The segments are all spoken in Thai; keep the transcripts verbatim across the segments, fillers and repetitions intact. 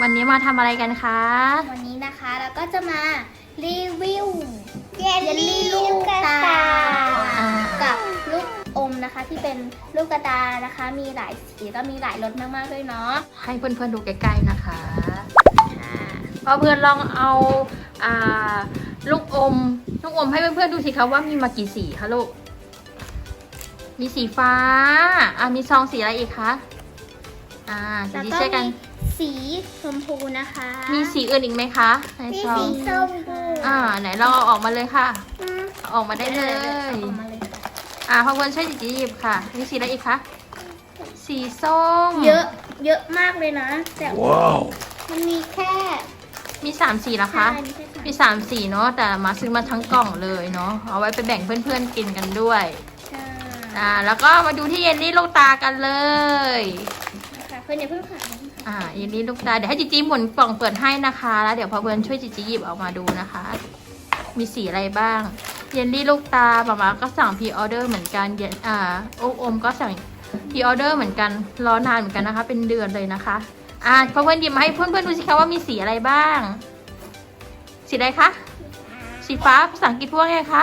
วันนี้มาทำอะไรกันคะวันนี้นะคะเราก็จะมารีวิวเยลลี่ลูกตากับลูกอมนะคะที่เป็นลูกตานะคะมีหลายสีก็มีหลายรสมากๆด้วยเนาะให้เพื่อนๆดูใกล้ๆนะคะพอเพื่อนลองเอาอ่าลูกอมลูกอมให้เพื่อนๆดูสิคะว่ามีมากี่สีคะลูกมีสีฟ้าอ่ามีซองสีอะไรอีกคะอ่าสีที่ใช่กันสีชมพูนะคะมีสีอื่นอีกไหมคะในซองมีสีส้มอ่าไหนเราเอาออกมาเลยค่ะออกมาได้เลยออกมาเลยค่ะอ่าพอเพื่อนช่วยจีบค่ะมีสีอะไรอีกคะสีส้มเยอะเยอะมากเลยนะแต่ว้าวมันมีแค่มีสามสีแล้วคะมีสามสีเนาะแต่มาซื้อมาทั้งกล่องเลยเนาะเอาไว้ไปแบ่งเพื่อนๆกินกันด้วยอ่าแล้วก็มาดูที่เยลลี่ลูกตากันเลยค่ะเพื่อนอย่าเพิ่งค่ะอ่าเยลลี่ลูกตาเดี๋ยวให้จิจิหมุนกล่องเปิดให้นะคะแล้วเดี๋ยวพอเพื่อนช่วยจิจิหยิบออกมาดูนะคะมีสีอะไรบ้างเยลลี่ลูกตาป๊าป๊าก็สั่งพรีออเดอร์เหมือนกันเยอ่าโออมก็สั่งพรีออเดอร์เหมือนกันรอนานเหมือนกันนะคะเป็นเดือนเลยนะคะอ่าพอเพื่อนหยิบมาให้เพื่อนๆดูสิคะว่ามีสีอะไรบ้างสีอะไรคะสีฟ้าภาษาอังกฤษพวกไงคะ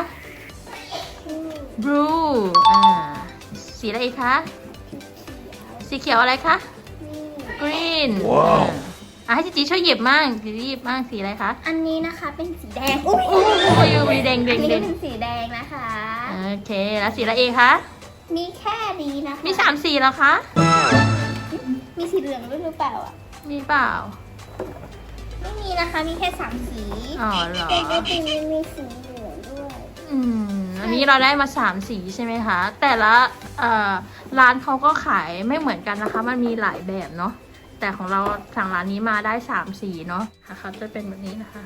blue อ่าสีอะไรอีกคะสีเขียวอะไรคะ green ว้าวอ่ะให้จิจิช่วยหยิบมั่งจิจิหยิบมั่งสีอะไรคะอันนี้นะคะเป็นสีแดงโอ้โหมีแดงแดงแดงเป็นสีแดงนะคะโอเคแล้วสีอะไรอีกคะมีแค่นี้นะคะมีสามสีแล้วคะมีสีเหลืองด้วยหรือเปล่าอ่ะมีเปล่าไม่มีนะคะมีแค่สามสีอ๋อเหรอแต่จริงๆมีสีเหลืองด้วยอืมอันนี้เราได้มาสามสีใช่ไหมคะแต่ละเอ่อร้านเขาก็ขายไม่เหมือนกันนะคะมันมีหลายแบบเนาะแต่ของเราสั่งร้านนี้มาได้สามสีเนาะเขาจะเป็นแบบนี้นะคะ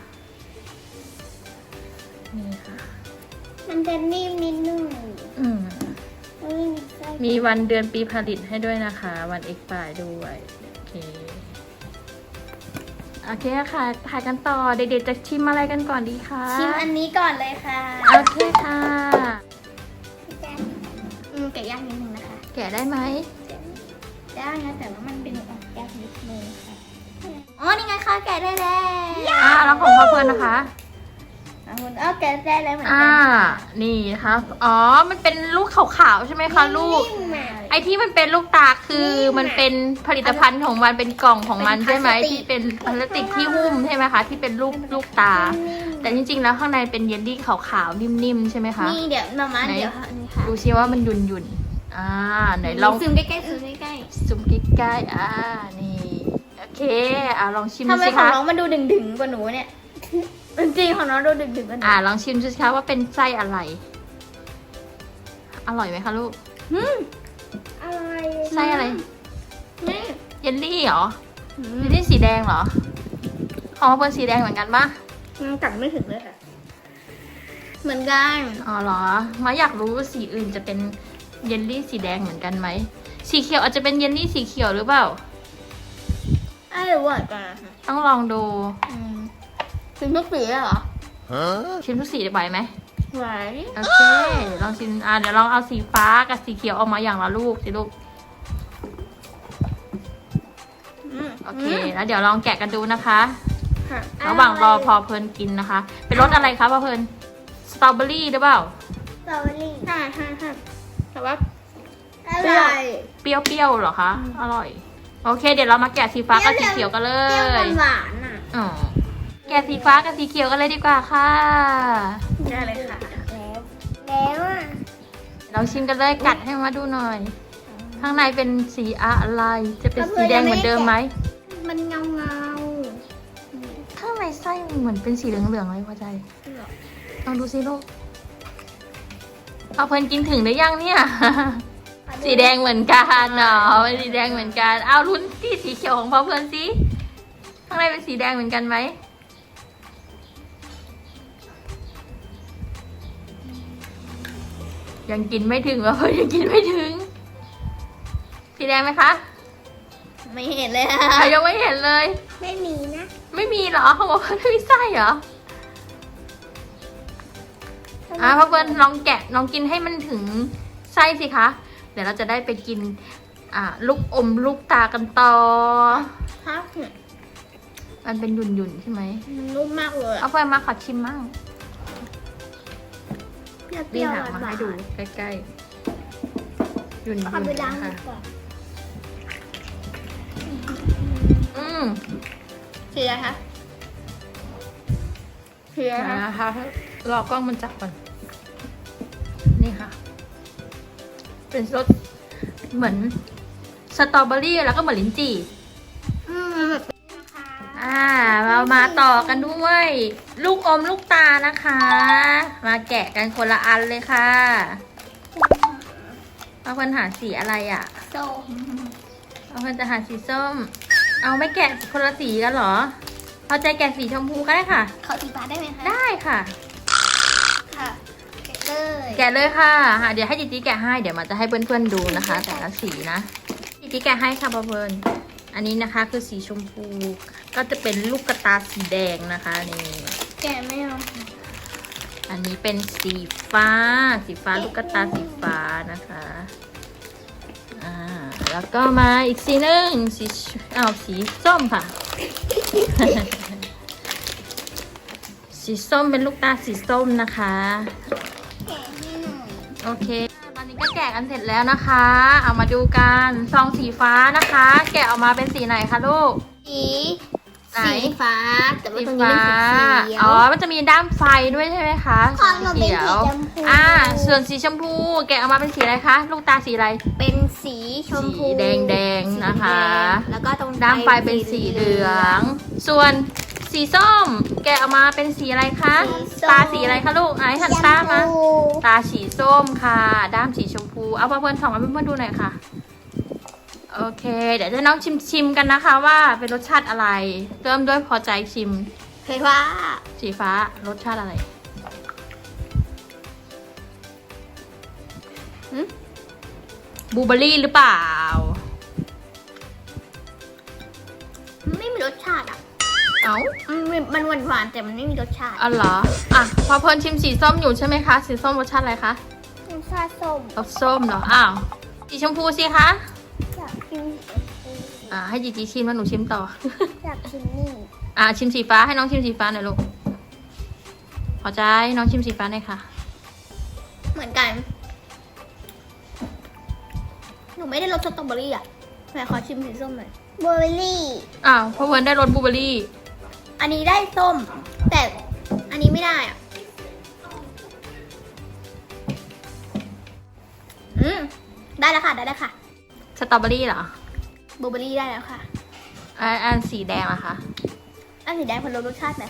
นี่ค่ะมันจะนิ่มนิดนึงอืมมีวันเดือนปีผลิตให้ด้วยนะคะวันเอ็กซ์ปายด้วยโอเคโอเคค่ะถ่ายกันต่อเด็กๆจะชิมอะไรกันก่อนดีคะชิมอันนี้ก่อนเลยค่ะโอเคค่ะอืมแกะยากนิดนึงนะคะแกะได้ไหมได้นะแต่ว่ามันเป็นออกยากนิดนึงค่ะอ๋อนี่ไงคะแกะได้แล้วอ่าแล้วของพ่อเพื่อนนะคะคุณอ้อแกะได้แล้วเหมือนกันอ่านี่ค่ะอ๋อมันเป็นลูกขาวๆใช่ไหมคะลูกไอที่มันเป็นลูกตาคือมันเป็นผลิตภัณฑ์ของมันเป็นกล่องของมันใช่ไหมที่เป็นพลาสติกที่หุ้มใช่ไหมคะที่เป็นลูกลูกตาแต่จริงๆแล้วข้างในเป็นเยลลี่ขาวๆนิ่มๆใช่ไหมคะนี่เดี๋ยวมามาเดี๋ยวค่ะดูซิว่ามันยุ่นยุ่นอ่าไหนลองซูมใกล้ๆซูมใกล้ๆซูมใกล้ๆอ่านี่โอเคอ่าลองชิมดูสิคะทำไมของน้องมันดูดึงๆกว่าหนูเนี่ยจริงๆของน้องดูดึงๆกว่าหนูอ่าลองชิมดูสิคะว่าเป็นไส้อะไรอร่อยไหมคะลูกอืมอร่อยไส้อะไรนี่เยลลี่เหรอเยลลี่สีแดงเหรอของเพื่อนสีแดงเหมือนกันปะกัดไม่ถึงเลยค่ะเหมือนกันอ๋อเหรอมาอยากรู้สีอื่นจะเป็นเยลลี่สีแดงเหมือนกันไหมสีเขียวอาจจะเป็นเยลลี่สีเขียวหรือเปล่าไอ้หวานกันต้องลองดูชิมทุกสีเหรอชิมทุกสีไหวไหมไหวโอเคลองชิมอ่าเดี๋ยวลองเอาสีฟ้ากับสีเขียวออกมาอย่างละลูกสิลูกโอเคแล้วเดี๋ยวลองแกะกันดูนะคะระหว่างรอพอเพลินกินนะคะเป็นรสอะไรคะพอเพลินสตรอเบอรี่หรือเปล่าสตรอเบอรี่ใช่ใช่ใช่แต่ว่าอร่อยเปรี้ยวๆเหรอคะอร่อยโอเคเดี๋ยวเรามาแกะสีฟ้ากับสีเขียวกันเลยหวานอ่ะอ๋อแกะสีฟ้ากับสีเขียวกันเลยดีกว่าค่ะได้เลยค่ะแล้วแล้วอ่ะเราชิมกันเลยกัดให้มาดูหน่อยข้างในเป็นสีอะไรจะเป็นสีแดงเหมือนเดิมไหมมันเงาเงาข้างในไส้เหมือนเป็นสีเหลืองๆเลยพ่อใจลองดูสิลูกเอาเพลินกินถึงหรือยังเนี่ยสีแดงเหมือนกันเนาะสีแดงเหมือนกันเอาลุ้นที่สีเขียวของพ่อเพลินสิข้างในเป็นสีแดงเหมือนกันไหมยังกินไม่ถึงวะเพื่อนยังกินไม่ถึงสีแดงไหมคะไม่เห็นเลยค่ะยังไม่เห็นเลยไม่มีนะไม่มีเหรอเขาบอกว่าไม่มีไส้เหรออ่ะพ่อเพื่อนลองแกะลองกินให้มันถึงไส้สิคะเดี๋ยวเราจะได้ไปกินอ่าลูกอมลูกตากันต่อครับมันเป็นหยุ่นๆใช่ไหมมันนุ่มมากเลยเอาไปมาขอชิมมั่งเปรี้นี่ยวค่ะๆหมาวาให้นดูใกล้ๆหยุ่นๆเอาไปๆล้างนะมืคะอก่อนอืมสีอะไรคะสีอะไรคะนะคะรอกล้องมันจับก่อน นี่ค่ะ เป็นรสเหมือนสตรอเบอรี่แล้วก็เหมือนลิ้นจี่อืมแบบนี้นะคะอ่าเรามาต่อกันด้วย ลูกอมลูกตานะคะ มาแกะกันคนละอันเลยค่ะเอาคนหาสีอะไรอ่ะส้มเอาคนจะหาสีส้ม เอาไม่แกะคนละสีกันเหรอพอใจแกะสีชมพูก็ได้ค่ะขอสีฟ้าได้ไหมคะได้ค่ะค่ะแกะเลยแกะเลยค่ะอ่ะ เดี๋ยวให้จิจิแกะให้ เดี๋ยวมันจะให้เพื่อนๆดูนะคะ แต่ละสีนะจิจิแกะให้ค่ะเพื่อนๆอันนี้นะคะคือสีชมพู ก็จะเป็นลูกกระตาสีแดงนะคะนี่แกะไม่เอาอันนี้เป็นสีฟ้า สีฟ้าลูกกระตาสีฟ้านะคะอ่าแล้วก็มาอีกสีหนึ่งสีอ้าวสีส้มค่ะ สีส้มเป็นลูกตาสีส้มนะคะแกะให้หน่อยโอเค ตอนนี้ก็แกะกันเสร็จแล้วนะคะ เอามาดูกันซองสีฟ้านะคะ แกะออกมาเป็นสีไหนคะลูกสีไหนสีฟ้า แต่ว่าสีตรงนี้ฟ้าเป็นสีเขียวอ๋อ มันจะมีด้ามไฟด้วยใช่ไหมคะของหนูเป็นสีเขียวชมพูอ่า ส่วนสีชมพู แกะออกมาเป็นสีอะไรคะ ลูกตาสีอะไรเป็นสีชมพูสีแดงๆนะคะสีแดงแล้วก็ตรงด้ามไฟเป็นสีเหลือง ส่วนสีส้ม แกะออกมาเป็นสีอะไรคะ ตาสีอะไรคะลูกไอ้หันตามา ตาสีส้มค่ะ ด้ามสีชมพู เอาเพื่อนๆสองมาเพื่อนๆดูหน่อยค่ะ โอเค เดี๋ยวจะน้องชิมชิมกันนะคะว่าเป็นรสชาติอะไร เริ่มด้วยพอใจชิมเคยว่าสีฟ้ารสชาติอะไรหืมบลูเบอร์รี่หรือเปล่าไม่มีรสชาติอ่ะเอ้ามันมันหวานหวานๆแต่มันไม่มีรสชาติอ๋อเหรอ อ่ะ พอเพลินชิมสีส้มอยู่ใช่ไหมคะ สีส้มรสชาติอะไรคะรสชาติส้มรสส้มเหรอ อ้าว สีชมพูสิคะอยากชิมอ่า ให้จีจีชิมแล้วหนูชิมต่ออยากชิมนี่อ่า ชิมสีฟ้าให้น้องชิมสีฟ้าหน่อยลูก พอใจน้องชิมสีฟ้าหน่อยค่ะเหมือนกัน หนูไม่ได้รสสตรอเบอรี่อ่ะแม่ขอชิมสีส้มหน่อยบลูเบอร์รี่อ้าวเพราะเพลินได้รสบลูเบอร์รี่อันนี้ได้ส้ม แต่อันนี้ไม่ได้อ่ะ อืมได้แล้วค่ะ ได้แล้วค่ะสตรอเบอรี่เหรอบลูเบอร์รี่ได้แล้วค่ะอันอันสีแดงเหรอคะอันสีแดงคนละรสชาติไหม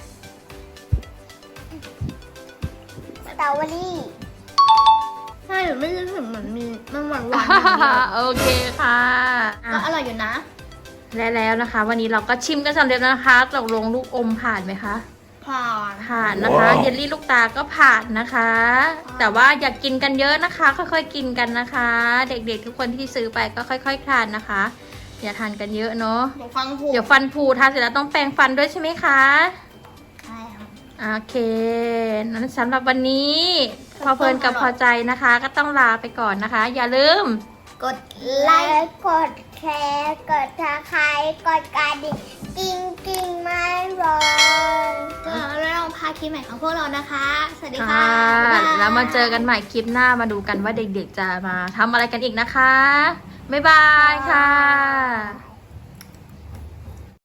สตรอเบอรี่ใช่หนูไม่รู้สึกเหมือนมีมันหวานหวานโอเคค่ะก็อร่อยอยู่นะและแล้วนะคะ วันนี้เราก็ชิมกันสำเร็จแล้วนะคะตกลงลูกอมผ่านไหมคะผ่านผ่านนะคะเยลลี่ลูกตาก็ผ่านนะคะ แต่ว่าอย่ากกินกันเยอะนะคะ ค่อยๆกินกันนะคะ เด็กๆทุกคนที่ซื้อไปก็ค่อยๆทานนะคะ อย่าทานกันเยอะเนาะเดี๋ยวฟังผูเดี๋ยวฟันผุทานเสร็จแล้วต้องแปรงฟันด้วยใช่ไหมคะใช่ค่ะโอเคนั้นสำหรับวันนี้ พอเพลินกับพอใจนะคะ ก็ต้องลาไปก่อนนะคะ อย่าลืมกดไลค์กดแชร์กดทักทายกดกระดิ่งกิ้งกิ้งไม่ร้อนก็แล้วเราพาคลิปใหม่ของพวกเรานะคะ สวัสดีค่ะค่ะบ๊ายบายแล้วมาเจอกันใหม่คลิปหน้ามาดูกันว่าเด็กๆจะมาทำอะไรกันอีกนะคะ บ๊ายบายค่ะ